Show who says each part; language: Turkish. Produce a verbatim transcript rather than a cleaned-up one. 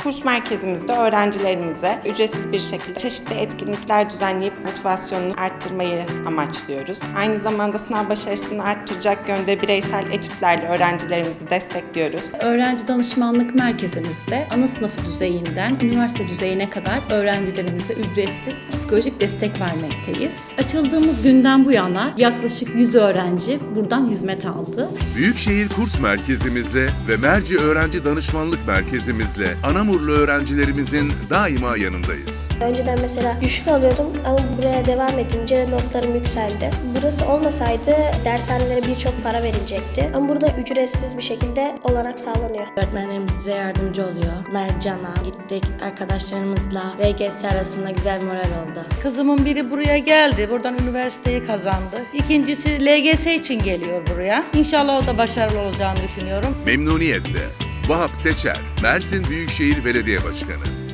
Speaker 1: Kurs merkezimizde öğrencilerimize ücretsiz bir şekilde çeşitli etkinlikler düzenleyip motivasyonunu arttırmayı amaçlıyoruz. Aynı zamanda sınav başarısını arttıracak yönde bireysel etütlerle öğrencilerimizi destekliyoruz.
Speaker 2: Öğrenci danışmanlık merkezimizde ana sınıfı düzeyinden üniversite düzeyine kadar öğrencilerimize ücretsiz psikolojik destek vermekteyiz. Açıldığımız günden bu yana yaklaşık yüz öğrenci buradan hizmet aldı.
Speaker 3: Büyükşehir Kurs Merkezimizle ve Merci Öğrenci Danışmanlık Merkezimizle Anamurlu öğrencilerimizin daima yanındayız.
Speaker 4: Önceden mesela düşük alıyordum ama buraya devam edince notlarım yükseldi. Burası olmasaydı dershanelere birçok para verilecekti. Ama burada ücretsiz bir şekilde olanak sağlanıyor.
Speaker 5: Öğretmenlerimiz bize yardımcı oluyor. Mercan'a gittik arkadaşlarımızla. L G S arasında güzel bir moral oldu.
Speaker 6: Kızımın biri buraya geldi. Buradan üniversiteyi kazandı. İkincisi L G S için geliyor buraya. İnşallah o da başarılı olacağını düşünüyorum.
Speaker 3: Memnuniyetle. Vahap Seçer, Mersin Büyükşehir Belediye Başkanı.